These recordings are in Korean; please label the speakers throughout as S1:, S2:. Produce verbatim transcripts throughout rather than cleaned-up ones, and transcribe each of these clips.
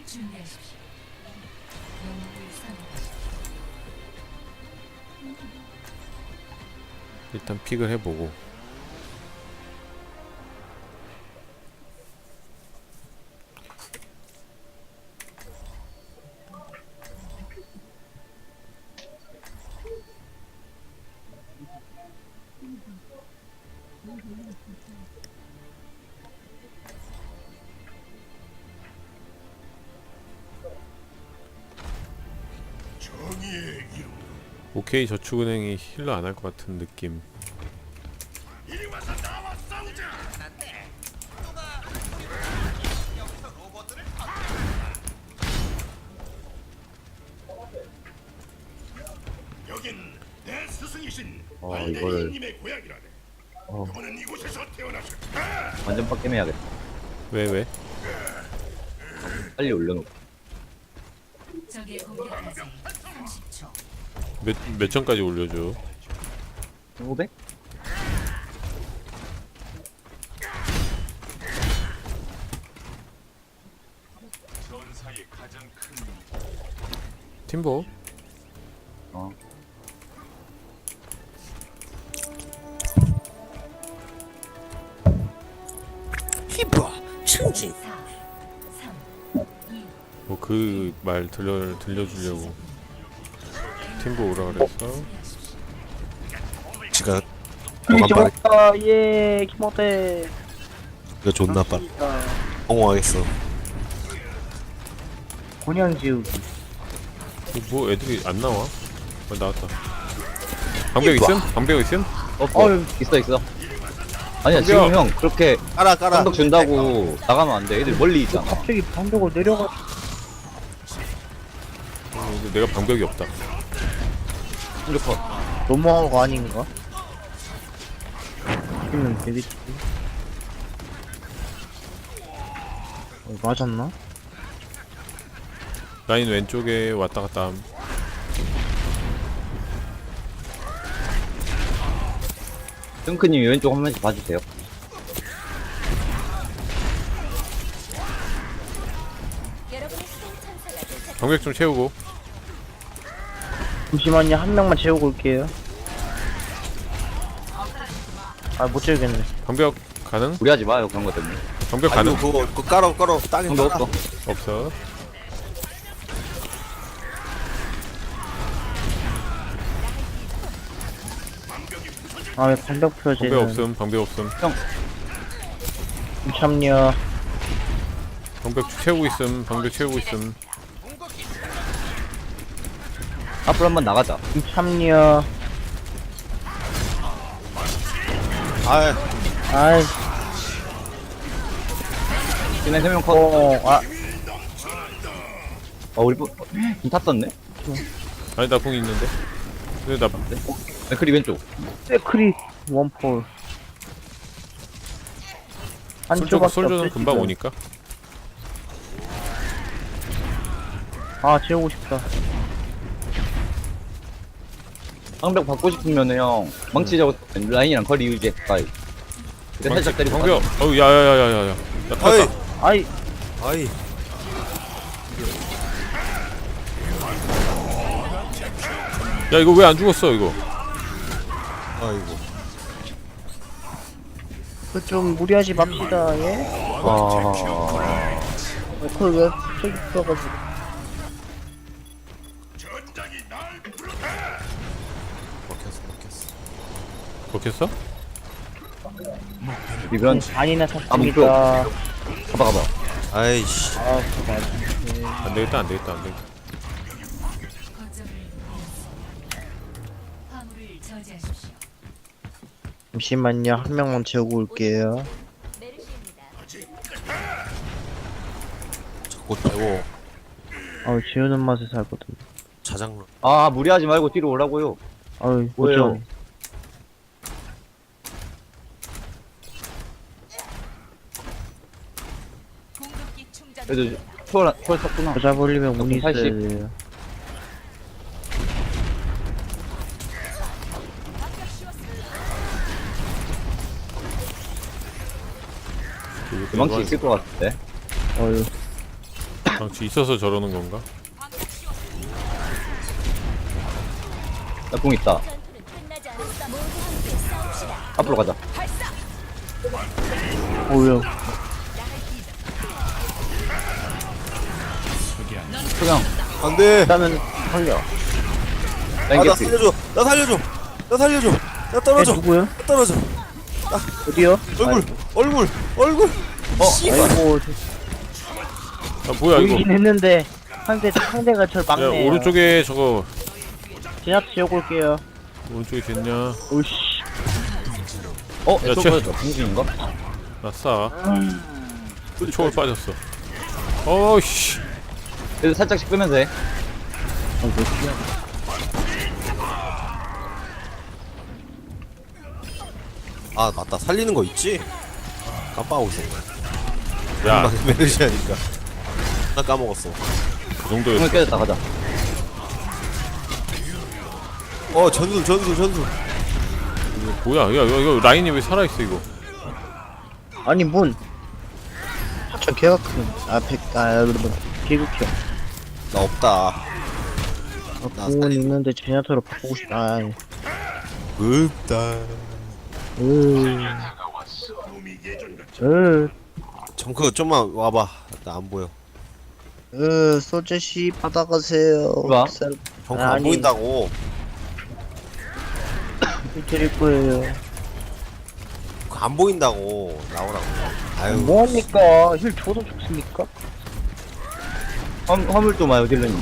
S1: 준비하십시오. 영웅을 선택하십시오.
S2: 일단 픽을 해보고. 오케이 저축은행이 힐러 안 할 것 같은 느낌.
S3: 여긴 내 스승이신
S4: 어,
S3: 알데이님의
S4: 이거를-
S3: 고향이라네.
S4: 어,
S3: 그분은 이곳에서 태어나셨다.
S4: 완전 빡겜해야겠다.
S2: 왜 왜?
S4: 빨리 올려놓고.
S1: 적의 공격까지 삼십 초.
S2: 몇 몇 점까지 올려줘?
S4: 오백?
S2: 팀보.
S4: 어.
S1: 사, 삼, 이,
S2: 뭐 그 말 들려 들려주려고 팀보 오라 그랬어.
S5: 지가
S6: 이
S5: 너가 말
S6: 좋다. 예, 키모테.
S5: 이거 존나 빨 엉엉하겠어.
S6: 곤양 지우기.
S2: 뭐 애들이 안 나와? 어, 나왔다. 방벽 있음? 방벽 있음?
S4: 어, 어,
S6: 어휴.
S4: 있어, 있어. 아니야,
S2: 방벽.
S4: 지금 형, 그렇게
S5: 깔아 깔아.
S4: 방벽 준다고 나가면 안 돼. 애들 멀리 있잖아.
S6: 갑자기 방벽을 내려가.
S2: 어, 근데 내가 방벽이 없다.
S4: 이렇게
S6: 너무한 거 아닌가? 있는 되겠지. 어, 맞았나?
S2: 라인 왼쪽에 왔다 갔다 함.
S4: 탱크님 왼쪽 한 번씩 봐주세요.
S2: 방벽 좀 채우고.
S6: 잠시만요, 한 명만 채우고 올게요. 아, 못 채우겠네.
S2: 방벽 가능?
S4: 무리하지 마요, 그런 것 때문에.
S2: 방벽
S5: 아니
S2: 가능?
S5: 그거 그거 깔아 깔아 땅에
S4: 방벽
S5: 깔아.
S4: 없어.
S2: 없어.
S6: 아, 왜 방벽 표지는.
S2: 방벽 없음. 방벽 없음.
S6: 참여.
S2: 방벽 채우고 있음. 방벽 채우고 있음.
S4: 앞으로 한번 나가자.
S6: 참여.
S5: 아
S6: 아이,
S4: 진에 세명 컷.
S6: 어, 아,
S4: 어, 우리 뭐, 좀 탔었네?
S2: 아니 나 궁 있는데. 근데 나
S4: 맥크리 왼쪽.
S6: 세크리 원폴.
S2: 솔저
S6: 한쪽밖에
S2: 솔저는
S6: 없지,
S2: 금방
S6: 지금.
S2: 오니까.
S6: 아, 채우고 싶다.
S4: 방벽 받고 싶으면은 형, 망치 잡고 라인이랑 거리 유지해, 가까이. 근데 살짝 때리고.
S2: 방벽. 어우 야야야야야야. 야
S5: 어이
S2: 터졌다.
S6: 아이,
S5: 아이.
S2: 야 이거 왜 안 죽었어 이거?
S5: 아이고.
S6: 그 좀 무리하지 맙시다, 예?
S4: 아,
S6: 그걸 왜 저기 있어가지고.
S3: 전장이 날 부르다.
S5: 먹혔어 먹혔어.
S2: 먹혔어?
S4: 이건,
S6: 반이나
S4: 아,
S6: 샀습니다.
S4: 가봐, 가봐.
S5: 아이씨.
S6: 아, 그거 맞네.
S2: 안 되겠다 안 되겠다 안 되겠다.
S1: 거점을 잃었습니다. 화물을 저지하십시오.
S6: 잠시만요, 한 명만 채우고 올게요.
S5: 자꾸 빼고
S6: 아우, 지우는 맛에 살거든.
S5: 자장로.
S4: 아, 무리하지 말고 뒤로 오라고요.
S6: 아우,
S4: 뭐예요?
S6: 어쩜.
S4: 그래도 초월, 초월 탔구나.
S6: 여자 벌리면 운이 있어야
S4: 팔십.
S6: 돼요.
S4: 망치 있을 것 같은데.
S6: 어휴.
S2: 방치 있어서 저러는 건가?
S4: 나 공 있다. 앞으로 가자.
S6: 오야.
S4: 소경.
S5: 안돼.
S6: 일단은 살려.
S4: 라인
S5: 아나
S4: 개피.
S5: 살려줘. 나 살려줘. 나 살려줘. 나
S6: 얘
S5: 떨어져.
S6: 누구야?
S5: 나 떨어져.
S6: 어디요?
S5: 얼굴 얼굴 얼굴.
S4: 어,
S6: 아이고
S2: 아 뭐야 이거?
S6: 보이긴 했는데 상대 상대가 절
S2: 야
S6: 막네요.
S2: 오른쪽에 저거
S6: 제가 지어고 올게요.
S2: 오른쪽에 됐냐?
S6: 오씨.
S4: 어,
S2: 야,
S4: 저거
S2: 쟤-
S4: 보였다. 공중인가?
S2: 아싸. 초월 빠졌어. 어이씨.
S4: 그래도 살짝씩 끄면서 해.
S5: 아 맞다. 살리는 거 있지? 깜빡하고 있었네.
S2: 야,
S5: 메르시아니까. 나 까먹었어.
S2: 그 정도였어.
S4: 공을 깨졌다, 가자.
S5: 어 전술 전술 전술.
S2: 뭐야? 야, 이거, 이거 라인이 왜 살아있어 이거?
S6: 아니 문. 저 개가 큰. 아 백. 아 여러분 개극형.
S5: 나 없다.
S6: 아, 공은 있는데 제냐타로 바꾸고 싶다. 아,
S5: 없다.
S6: 으. 으.
S5: 정크 좀만 와봐. 나 안 보여.
S6: 으. 소재씨 받아가세요.
S4: 뭐야?
S6: 셀-
S5: 정크 안
S6: 아니.
S5: 보인다고.
S6: 드릴 거예요.
S5: 그거 안 보인다고. 나오라고. 아유.
S6: 뭐합니까? 힐 줘도 좋습니까?
S4: 화물, 화물 좀 와요, 딜러님.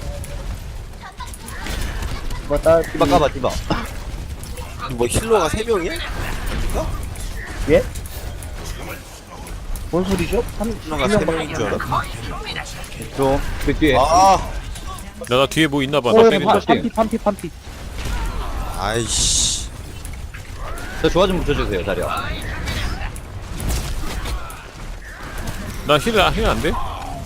S6: 맞다.
S4: 디바 까봐, 디바.
S5: 뭐 힐러가 세 명이야?
S6: 예? 뭔 소리죠? 한,
S5: 힐러가
S6: 한
S5: 세
S6: 명밖에
S5: 명인 줄 알아.
S4: 저, 그 뒤에.
S5: 아.
S2: 야, 나 뒤에 뭐 있나봐.
S6: 어,
S2: 나
S6: 야,
S2: 때린다.
S6: 파- 판피, 판피, 판피.
S5: 아이씨.
S4: 저 조화 좀 붙여주세요, 자리야.
S2: 나 힐, 힐 안 돼?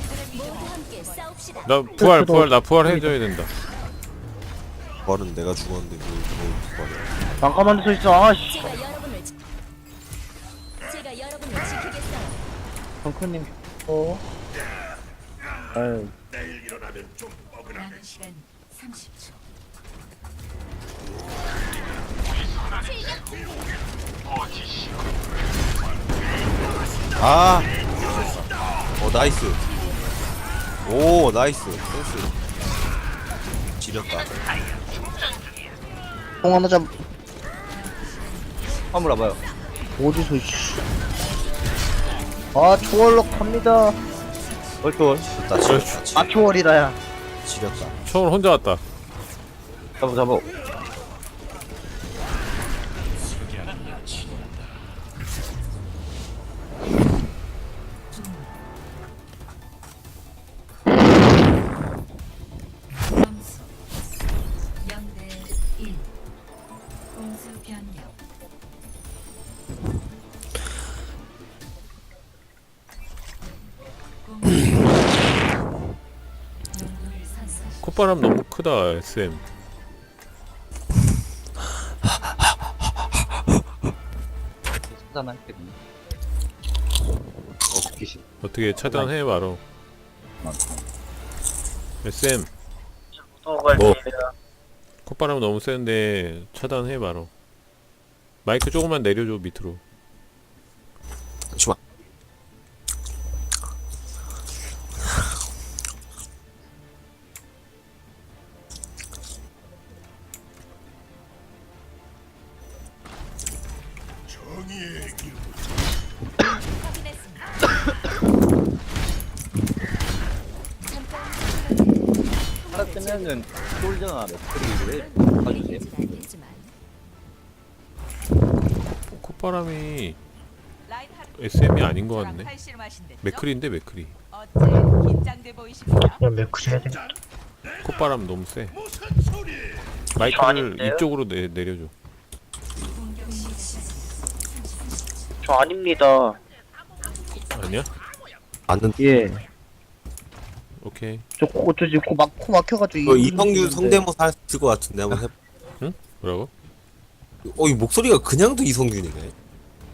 S2: 나 부활, 부활, 나 부활 해줘야 된다.
S5: 부활은 내가 죽었는데 뭘, 뭘 부활해.
S6: 잠깐만 서 있어. 아씨.
S7: 제가 여러분을 지- 제가 여러분을 지키겠어요.
S6: 덩크님. 어. 아유.
S3: 내일 일어나면 좀 뻐근하네.
S1: 남은 시간 삼십 초.
S5: 아. 어 나이스. 오 나이스. 센스. 지렸다.
S6: 공 하나 잡.
S4: 화물 와봐요.
S6: 어디서 씨. 아 초월로 갑니다.
S4: 얼토.
S5: 됐다. 지렸다. 지-
S6: 아 초월이라야.
S5: 지렸다.
S2: 처음 혼자 왔다.
S4: 잡아, 잡아.
S1: 점수 영 대 일. 공수 변경. 공수 용도를 선택.
S2: 콧바람 너무 크다, 에스엠.
S4: 차단할 때군요. 어, 귀신.
S2: 어떻게 차단해 말어. 에스엠,
S5: 뭐?
S2: 콧바람 너무 세는데 차단해 말어. 마이크 조금만 내려줘 밑으로.
S5: 잠시만.
S3: 정의의 길.
S7: 확인했습니다.
S4: 하나 뜨면은 솔저나 맥크리를 봐주세요.
S7: 이기진 않겠지만
S2: 콧바람이 에스엠이 아닌 것 같네. 맥크리인데 맥크리.
S8: 어째 긴장돼 보이십니까?
S6: 그냥 매크리 해야 돼.
S2: 콧바람 너무 세.
S3: 무슨 소리?
S2: 마이크를
S6: 아닌데요?
S2: 이쪽으로 내, 내려줘.
S1: 공격 시작.
S6: 저 아닙니다.
S2: 아니야?
S5: 맞는.
S6: 예.
S2: 오케이.
S6: 저 코, 저 지금 코 막, 코 막혀가지고.
S5: 이거
S6: 이-
S5: 이성균
S6: 있는데.
S5: 성대모사 했을 것 같은데 한번 해.
S2: 뭐라고?
S5: 어, 이 목소리가 그냥도 이성균이네.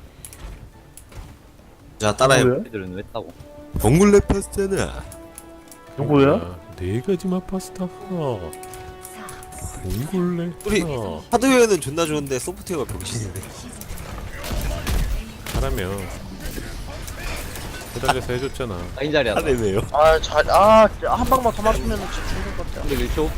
S5: 자, 따라해.
S6: 뭐예요?
S4: 애들은 왜 따고?
S5: 덩굴레 파스타나.
S6: 누구야?
S2: 야, 네 가지 맛 파스타. 봉골레.
S5: 우리
S2: 어,
S5: 하드웨어는 존나 좋은데 소프트웨어가 병신이네.
S2: 하라면 해달려서 해줬잖아.
S4: 라인 자리야.
S5: 하드웨어.
S6: 아, 잘, 아, 한 방만 더 맞으면 진짜 죽는 것 같아.
S4: 근데 일 초.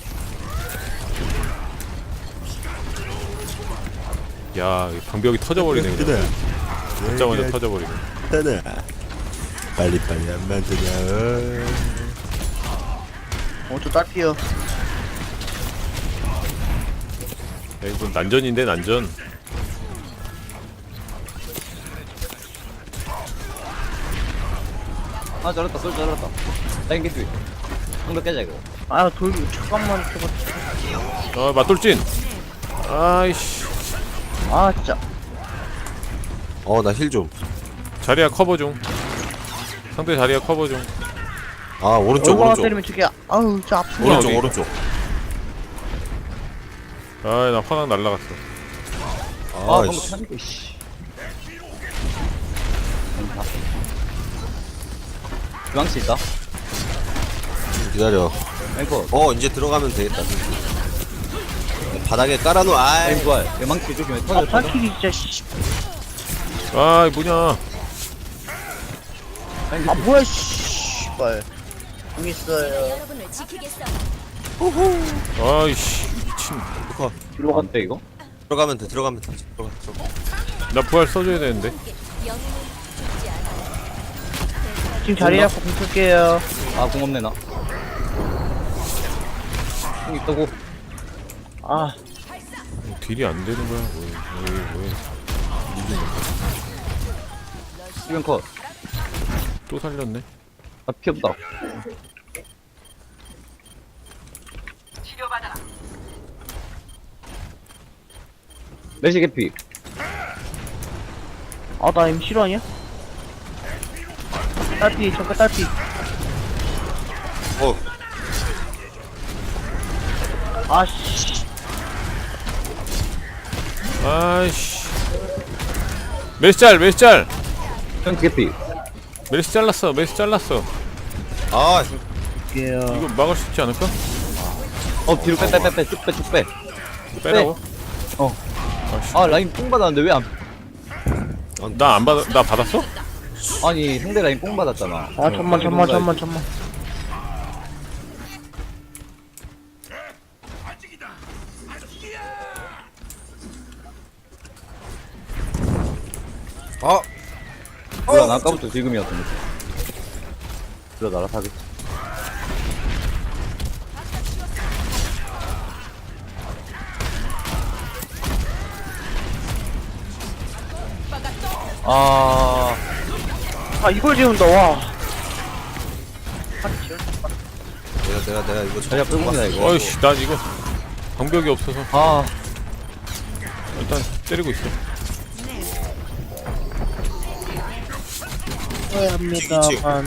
S2: 야, 이 방벽이 터져버리네. 그냥. 듣자마자 터져버리네.
S5: 하나. 빨리 빨리 안 만드냐.
S6: 어, 저 딸피요.
S2: 야, 이건 난전인데 난전.
S4: 아 잘랐다. 쏠 잘랐다. 라인 개피. 방벽 깨자 이거.
S6: 아, 돌, 잠깐만, 저거.
S2: 아, 맞돌진. 아이씨.
S6: 아, 진짜.
S5: 어 나 힐 좀.
S2: 자리야 커버 중. 상대 자리야 커버 중.
S5: 아 오른쪽
S6: 얼마나
S5: 오른쪽.
S6: 때리면 저게, 아우, 진짜 아프네.
S5: 오른쪽
S2: 어디?
S5: 오른쪽.
S2: 아, 나 화강 날라갔어.
S4: 아
S5: 아
S4: 방벽
S5: 씨.
S4: 차니까 씨. 주방치 있다.
S5: 기다려.
S4: 앵커.
S5: 어 이제 들어가면 되겠다. 바닥에 깔아놓. 아이.
S4: 라인 부활. 예망치 조심해.
S6: 아,
S4: 터져 터져.
S6: 발키리 진짜, 씨.
S2: 아, 이 뭐냐.
S6: 아, 뭐야, 씨발. 공 있어요.
S7: 여러분을 지키겠어.
S2: 아이씨, 미친.
S4: 뒤로 갔대 이거.
S5: 들어가면 돼. 들어가면 돼. 들어가. 들어가.
S2: 나 부활 써줘야 되는데.
S7: 영웅은 죽지 않아.
S6: 지금 자리 잡고 공 쓸게요.
S4: 아공 없네 나. 공 있다고.
S6: 아,
S2: 딜이 안 되는 거야. 왜, 왜, 왜.
S4: 수면 컷.
S2: 또 살렸네.
S4: 아 피 없다. 메시 개피.
S6: 아, 나 M 실화냐? 딸피, 잠깐 딸피.
S5: 어.
S6: 아, 씨.
S2: 아이씨. 메시 짤, 메시 짤.
S4: 형 개피.
S2: 메시 잘랐어, 메시 잘랐어.
S5: 아
S6: 게요.
S2: 이거 막을 수 있지 않을까?
S4: 어 뒤로 빼 빼 빼 빼 쭉 빼 쭉 빼.
S2: 빼라고?
S4: 어.
S2: 아이씨.
S4: 아 라인 뽕 받았는데 왜 안?
S2: 나 안 받아, 나 받았어?
S4: 아니 상대 라인 뽕 받았잖아.
S6: 아, 잠만, 잠만, 잠만, 잠만.
S5: 아.
S4: 몰라 나 아까부터 지금이었는데. 들어 나라 사기. 아
S6: 아, 이걸 지운다, 와.
S5: 내가 내가 내가 이거
S4: 자리야 끌고다 이거.
S2: 어이씨, 난 이거 방벽이 없어서
S4: 아
S2: 일단 때리고 있어.
S6: 해야 합니다.
S5: 지금.
S6: 한.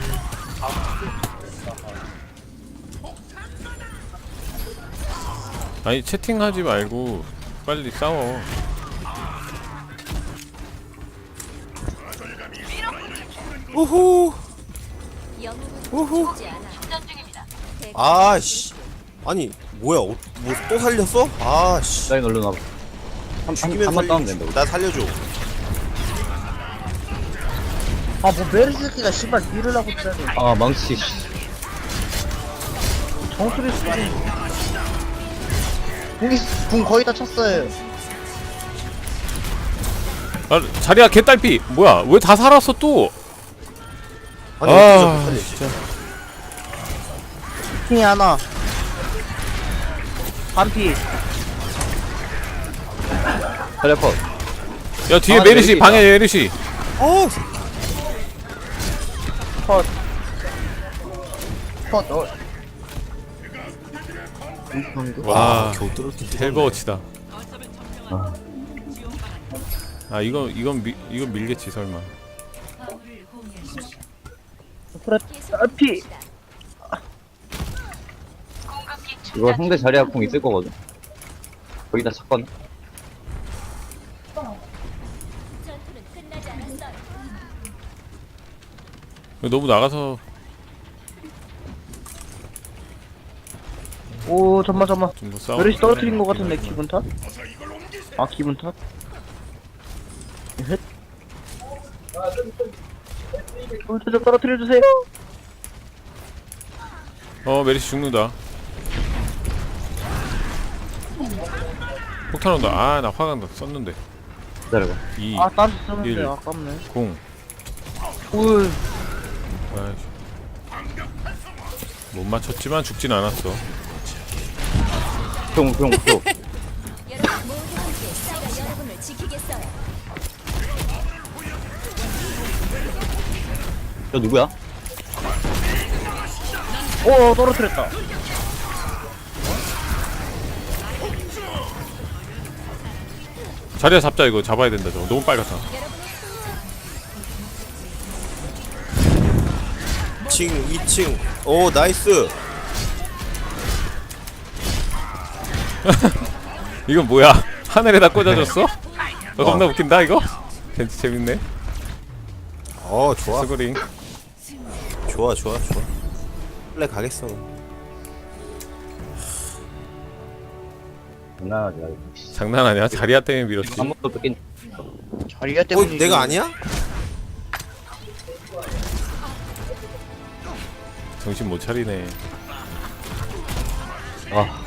S2: 아니, 채팅하지 말고 빨리 싸워.
S5: 우후.
S7: 영웅은 죽지 않아.
S5: 아씨. 아니 뭐야? 어, 뭐또 살렸어? 아씨.
S4: 라인 얼른 와봐.
S5: 죽이면
S4: 한번 따면
S5: 살려줘.
S4: 된다.
S5: 나 살려줘.
S6: 아, 뭐, 메르스키가 씨발 딜을 하고 있다니.
S4: 아 망치.
S6: 정수리 쓰니. 궁이, 궁 거의 다 쳤어요.
S2: 아, 자리야 개딸피. 뭐야? 왜 다 살았어 또?
S5: 아니
S2: 아,
S5: 어떻게 못 살려?
S2: 진짜.
S6: 킹이 하나. 반피.
S4: 자리야 컷.
S2: 야, 뒤에
S4: 아,
S2: 메르시
S4: 메르시다.
S2: 방해 메르시.
S5: 어.
S6: 컷. 컷, 어.
S2: 와,
S5: 겨우 뚫었긴
S2: 헬버워치다. 아, 이거 이건 미, 이건 밀겠지 설마.
S1: 화물을 공유하십시오.
S6: 딸피.
S4: 이거 상대 자리야 공 있을 거거든. 거기다 쳤거든.
S7: 전투는 끝나지 않았어요.
S2: 너무 나가서
S6: 오 잠만 잠만.
S2: 좀더 싸워.
S6: 메르시 떨어뜨린 거 같은데 기분 탓? 아 기분 탓? 헷. 어, 저좀 떨어뜨려 주세요.
S2: 어 메리시 죽는다. 폭탄 온다. 아 나 화강 썼는데.
S4: 기다려봐.
S2: 이,
S6: 아 딴 썼는데
S2: 일.
S6: 아깝네.
S2: 공.
S6: 울.
S2: 아이씨. 못 맞췄지만 죽진 않았어.
S4: 뿅, 뿅, 뿅.
S7: 여러분 모두 함께 제가 여러분을 지키겠어요.
S4: 저 누구야?
S6: 오 떨어뜨렸다.
S2: 자리야 잡자 이거. 잡아야 된다 저거. 너무 빨갛다.
S5: 이 층 이 층 오 나이스.
S2: 이건 뭐야? 하늘에다 꽂아줬어? 어, 겁나 웃긴다 이거? 재 재밌네.
S5: 어 좋아
S2: 스그링.
S5: 좋아 좋아 좋아. 원래 가겠어.
S4: 장난하지 말고.
S2: 장난 아니야? 자리야 때문에 밀었지.
S4: 아무것도 뺏긴.
S6: 자리가
S5: 어
S6: 때문에.
S5: 내가 아니야?
S2: 정신 못 차리네.
S4: 아,